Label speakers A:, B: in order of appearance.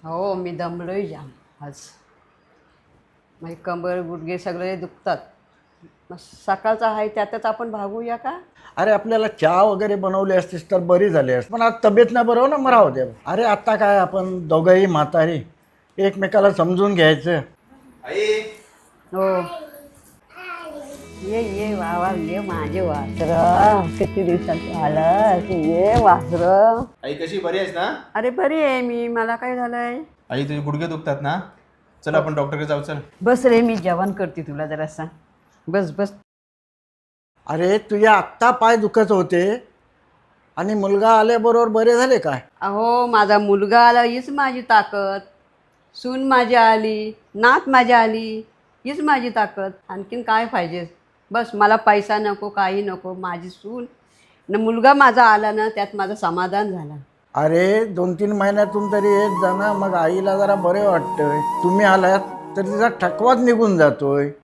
A: हो मी दमलोय जाम आज. माझी कंबर गुडघे सगळे दुखतात. मग सकाळचा आहे त्यातच आपण भागूया का?
B: अरे आपल्याला चहा वगैरे बनवली असतीस तर बरी झाली असती, पण आज तब्येत नाही बरोबर ना, मराव दे. अरे आता काय आपण दोघंही म्हातारी, एकमेकाला समजून घ्यायचं.
C: आई
A: हो ये ये वा ये माझे वासर. किती दिवसात आलं ये वासर.
C: आई कशी बरी आहेस ना?
A: अरे बरी आहे मी. मला काय झालंय?
C: आई तुझे गुडघे दुखतात ना? चल आपण डॉक्टरकडे जाऊ. चल
A: बस रे मी जेवण करते तुला जरासा. बस बस.
B: अरे तुझ्या आत्ता पाय दुखत होते आणि मुलगा आल्याबरोबर बरे झाले काय?
A: अहो माझा मुलगा आला हीच माझी ताकद. सून माझी आली, नात माझी आली, हीच माझी ताकद. आणखीन काय पाहिजे? बस मला पैसा नको, काही नको. माझी सून न मुलगा माझा आला ना, त्यात माझं समाधान झालं.
B: अरे 2-3 महिन्यातून तरी येत जा ना, मग आईला जरा बरे वाटतंय. तुम्ही आलात तर तिचा थकवाच निघून जातोय.